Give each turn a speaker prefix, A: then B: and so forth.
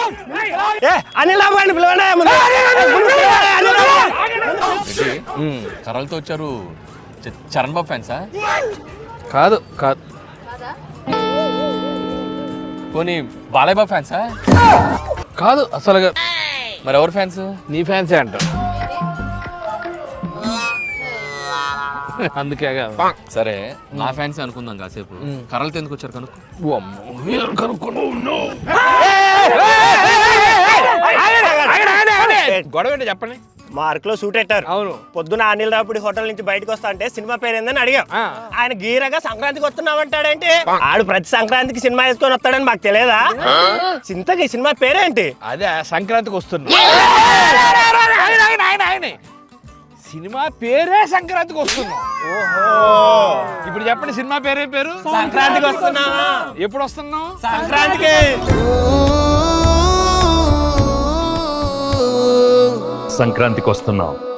A: అనిల్ రావు గారిని పిలవండి.
B: కర్రలతో వచ్చారు. చరణ్ బాబు ఫ్యాన్సా?
C: కాదు కాదు.
B: పోనీ బాలయ్య బాబు ఫ్యాన్సా?
C: కాదు అసలుగా.
B: మరి ఎవరు ఫ్యాన్స్?
C: నీ ఫ్యాన్సే అంట. అందుకే కాదు.
B: సరే నా ఫ్యాన్స్ అనుకుందాం కాసేపు. కర్రలతో ఎందుకు వచ్చారు కనుక్కో.
C: గొడవ ఏంటో చెప్పండి.
A: మార్క్ లో సూట్ పెట్టారు.
C: అవును.
A: పొద్దున అనిల్ రావుడి హోటల్ నుంచి బయటకు వస్తా అంటే సినిమా పేరు ఏందని అడిగాం. ఆయన గీరగా సంక్రాంతికి వస్తున్నామంటాడేంటి? ఆడు ప్రతి సంక్రాంతికి సినిమా వేసుకొని వస్తాడని మాకు తెలియదా? చింతకి సినిమా పేరేంటి?
C: అదే సంక్రాంతికి వస్తుంది. సినిమా పేరే సంక్రాంతికి వస్తున్నాం. ఇప్పుడు చెప్పండి సినిమా పేరే పేరు?
A: సంక్రాంతికి వస్తున్నావా?
C: ఎప్పుడు వస్తున్నాం?
A: సంక్రాంతికి.
D: సంక్రాంతికి వస్తున్నాం.